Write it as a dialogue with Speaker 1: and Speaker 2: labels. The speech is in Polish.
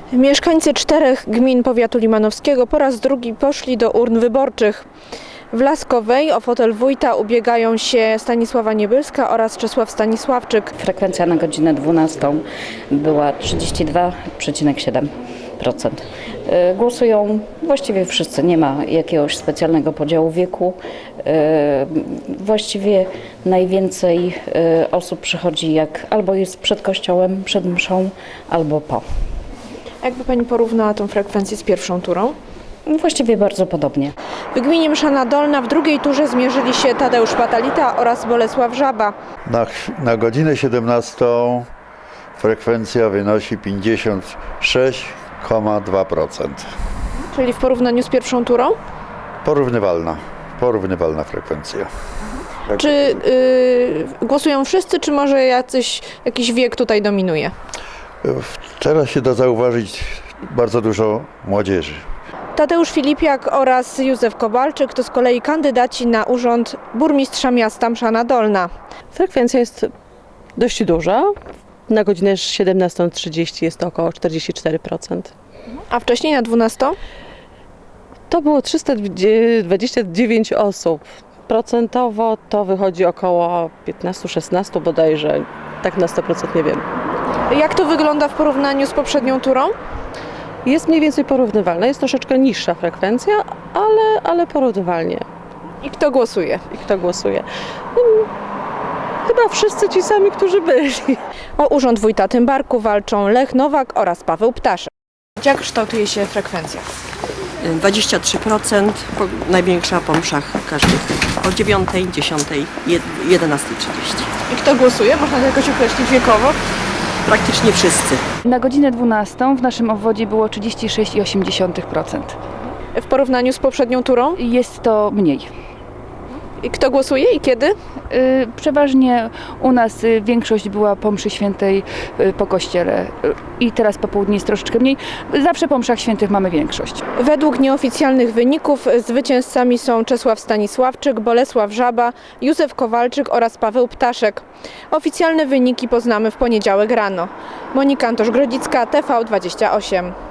Speaker 1: Mieszkańcy 4 gmin powiatu limanowskiego po raz drugi poszli do urn wyborczych. W Laskowej o fotel wójta ubiegają się Stanisława Niebylska oraz Czesław Stanisławczyk.
Speaker 2: Frekwencja na godzinę 12 była 32,7%. Głosują właściwie wszyscy, nie ma jakiegoś specjalnego podziału wieku. Właściwie najwięcej osób przychodzi jak albo jest przed kościołem, przed mszą, albo po.
Speaker 1: Jakby Pani porównała tę frekwencję z pierwszą turą?
Speaker 2: Właściwie bardzo podobnie.
Speaker 1: W gminie Mszana Dolna w drugiej turze zmierzyli się Tadeusz Patalita oraz Bolesław Żaba.
Speaker 3: Na godzinę 17 frekwencja wynosi 56,2%.
Speaker 1: Czyli w porównaniu z pierwszą turą?
Speaker 3: Porównywalna frekwencja.
Speaker 1: Czy głosują wszyscy, czy może jakiś wiek tutaj dominuje?
Speaker 3: Teraz się da zauważyć bardzo dużo młodzieży.
Speaker 1: Tadeusz Filipiak oraz Józef Kowalczyk to z kolei kandydaci na urząd burmistrza miasta Mszana Dolna.
Speaker 4: Frekwencja jest dość duża. Na godzinę 17:30 jest to około 44%.
Speaker 1: A wcześniej na 12?
Speaker 4: To było 329 osób. Procentowo to wychodzi około 15-16 bodajże. Tak na 100% nie wiem.
Speaker 1: Jak to wygląda w porównaniu z poprzednią turą?
Speaker 4: Jest mniej więcej porównywalna. Jest troszeczkę niższa frekwencja, ale porównywalnie.
Speaker 1: I kto głosuje?
Speaker 4: I kto głosuje? Chyba wszyscy ci sami, którzy byli.
Speaker 1: O urząd wójta Tymbarku walczą Lech Nowak oraz Paweł Ptaszek. Jak kształtuje się frekwencja?
Speaker 5: 23%, największa po mszach każdych o 9, 10, 11:30.
Speaker 1: I kto głosuje? Można to jakoś określić wiekowo?
Speaker 5: Praktycznie wszyscy.
Speaker 6: Na godzinę 12 w naszym obwodzie było 36,8%.
Speaker 1: W porównaniu z poprzednią turą?
Speaker 6: Jest to mniej.
Speaker 1: I kto głosuje i kiedy?
Speaker 6: Przeważnie u nas większość była po mszy świętej po kościele i teraz po południu jest troszeczkę mniej. Zawsze po mszach świętych mamy większość.
Speaker 1: Według nieoficjalnych wyników zwycięzcami są Czesław Stanisławczyk, Bolesław Żaba, Józef Kowalczyk oraz Paweł Ptaszek. Oficjalne wyniki poznamy w poniedziałek rano. Monika Antosz-Grodzicka, TV28.